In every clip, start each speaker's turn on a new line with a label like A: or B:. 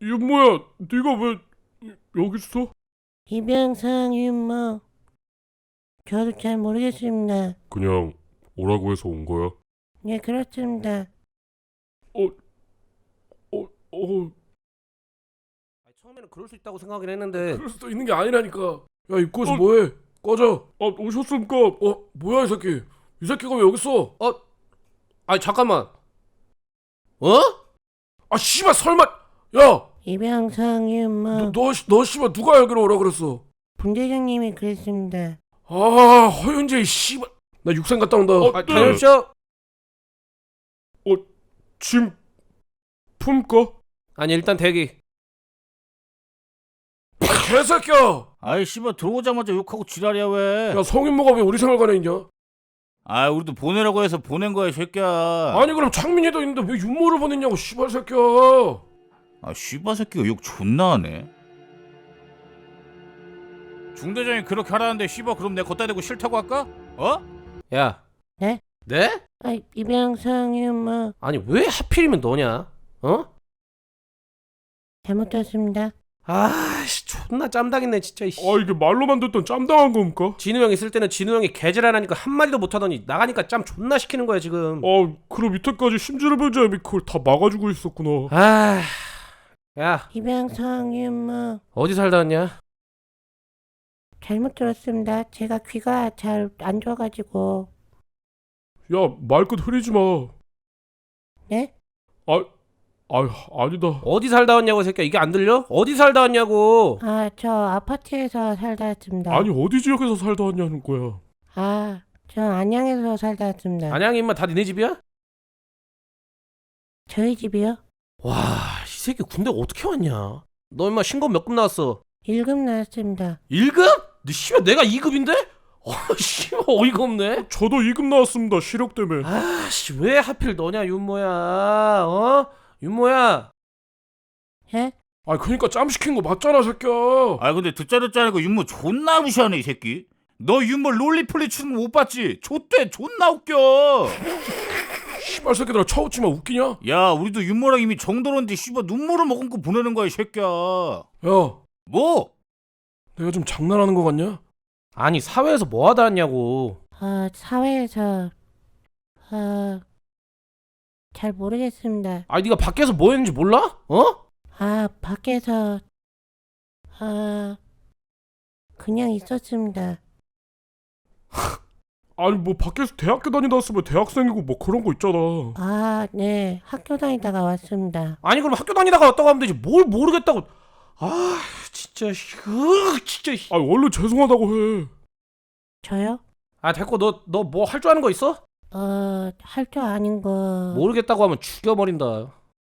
A: 윤모야, 네가 왜 여기 있어?
B: 이병상 윤모, 저도 잘 모르겠습니다.
A: 그냥 오라고 해서 온 거야.
B: 네, 그렇습니다.
A: 어,
C: 처음에는 그럴 수 있다고 생각하긴 했는데
A: 그럴 수도 있는 게 아니라니까. 야, 입구에서 뭐해? 꺼져. 오셨습니까? 뭐야 이 새끼? 이 새끼가 왜 여기 있어?
C: 아니 잠깐만.
A: 씨발 설마. 야,
B: 이병상 윤모,
A: 너 씨발 누가 여기로 오라 그랬어?
B: 분대장님이 그랬습니다.
A: 허윤재 이 씨발. 나 육상 갔다 온다.
C: 다녀오십시오.
A: 짐 품까?
C: 아니 일단 대기.
A: 개새끼야.
D: 아이 씨발 들어오자마자 욕하고 지랄이야 왜?
A: 야, 성인모가 왜 우리 생활관에 있냐?
D: 아 우리도 보내라고 해서 보낸 거야 이 새끼야.
A: 아니 그럼 창민이도 있는데 왜 윤모를 보냈냐고 씨발 새끼야.
D: 아 씨발 새끼가 욕 존나 하네. 중대장이 그렇게 하라는데 씨발 그럼 내가 걷다 대고 싫다고 할까?
C: 야.
B: 네?
C: 네?
B: 이병상 윤모,
C: 아니 왜 하필이면 너냐?
B: 잘못했습니다.
C: 아씨 존나 짬당했네 진짜.
A: 이게 말로만 듣던 짬당한 겁니까?
C: 진우 형 있을 때는 진우 형이 개질하니까 한마디도 못하더니 나가니까 짬 존나 시키는 거야 지금.
A: 그럼 밑에까지 심지를 별자님이 그걸 다 막아주고 있었구나.
C: 야
B: 이병상 윤모,
C: 어디 살다 왔냐?
B: 잘못 들었습니다. 제가 귀가 잘 안 좋아가지고.
A: 야, 말끝 흐리지 마.
B: 네?
A: 아니다.
C: 어디 살다 왔냐고 이 새끼야. 이게 안 들려? 어디 살다 왔냐고.
B: 저 아파트에서 살다 왔습니다.
A: 아니 어디 지역에서 살다 왔냐는 거야.
B: 저 안양에서 살다 왔습니다.
C: 안양이 임마 다 니네 집이야?
B: 저희 집이요?
C: 와, 이 새끼 군대 어떻게 왔냐? 너 임마 신고 몇 급 나왔어?
B: 1급 나왔습니다.
C: 1급? 너 씨발 내가 2급인데? 씨발 어이가 없네.
A: 저도 2급 나왔습니다. 시력 때문에.
C: 씨 왜 하필 너냐 윤모야? 윤모야.
B: 예?
A: 그니까 짬 시킨 거 맞잖아 새끼야.
D: 아 근데 듣자 않고 윤모 존나 무시하네 이 새끼. 너 윤모 롤리폴리 추는 거 못 봤지? 좆대 존나 웃겨.
A: 씨발 새끼들아 쳐웃지 마. 웃기냐?
D: 야 우리도 윤모랑 이미 정들었는데 씨발 눈물을 머금고 보내는 거야 이 새끼야.
A: 야,
D: 뭐?
A: 내가 좀 장난하는 거 같냐?
C: 아니 사회에서 뭐 하다 왔냐고.
B: 사회에서 잘 모르겠습니다.
C: 아니 네가 밖에서 뭐 했는지 몰라?
B: 밖에서 그냥 있었습니다.
A: 아니 뭐 밖에서 대학교 다니다 왔으면 대학생이고 뭐 그런 거 있잖아.
B: 네. 학교 다니다가 왔습니다.
C: 아니 그럼 학교 다니다가 왔다고 하면 되지 뭘 모르겠다고. 진짜 진짜.
A: 원래 죄송하다고 해.
B: 저요?
C: 됐고 너 뭐 할 줄 아는 거 있어?
B: 할 줄 아는 거.
C: 모르겠다고 하면 죽여버린다.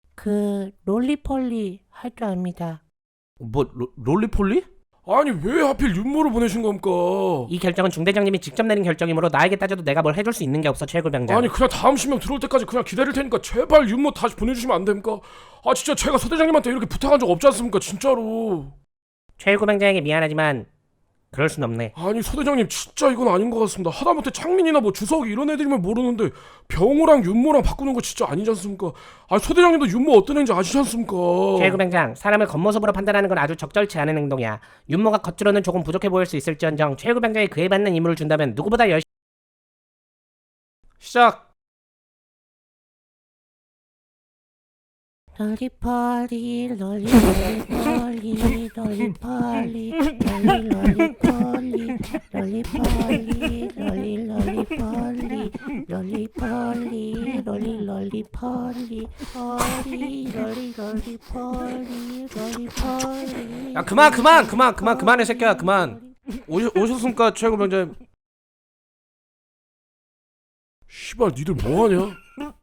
B: 롤리폴리 할 줄 압니다.
C: 뭐 롤리폴리?
A: 아니 왜 하필 윤모를 보내신 겁니까?
C: 이 결정은 중대장님이 직접 내린 결정이므로 나에게 따져도 내가 뭘 해줄 수 있는 게 없어 최고병장.
A: 아니 그냥 다음 신명 들어올 때까지 그냥 기다릴 테니까 제발 윤모 다시 보내주시면 안 됩니까? 진짜 제가 소대장님한테 이렇게 부탁한 적 없지 않습니까? 진짜로.
C: 최고병장에게 미안하지만 그럴 순 없네.
A: 아니 소대장님 진짜 이건 아닌 것 같습니다. 하다못해 창민이나 뭐 주석이 이런 애들이면 모르는데 병호랑 윤모랑 바꾸는 거 진짜 아니지 않습니까? 소대장님도 윤모 어떤 애인지 아시지 않습니까?
C: 최고병장, 사람을 겉모습으로 판단하는 건 아주 적절치 않은 행동이야. 윤모가 겉으로는 조금 부족해 보일 수 있을지언정 최고병장이 그에 받는 임무를 준다면 누구보다 열심히. 시작.
B: 롤리폴리 롤리폴리 롤리폴리 롤리폴리 롤리폴리 롤리폴리 롤리폴리 롤리폴리 롤리폴리.
C: 야 그만해 새끼야 그만. 오셨습니까 최고병장?
A: 씨발 니들 뭐하냐?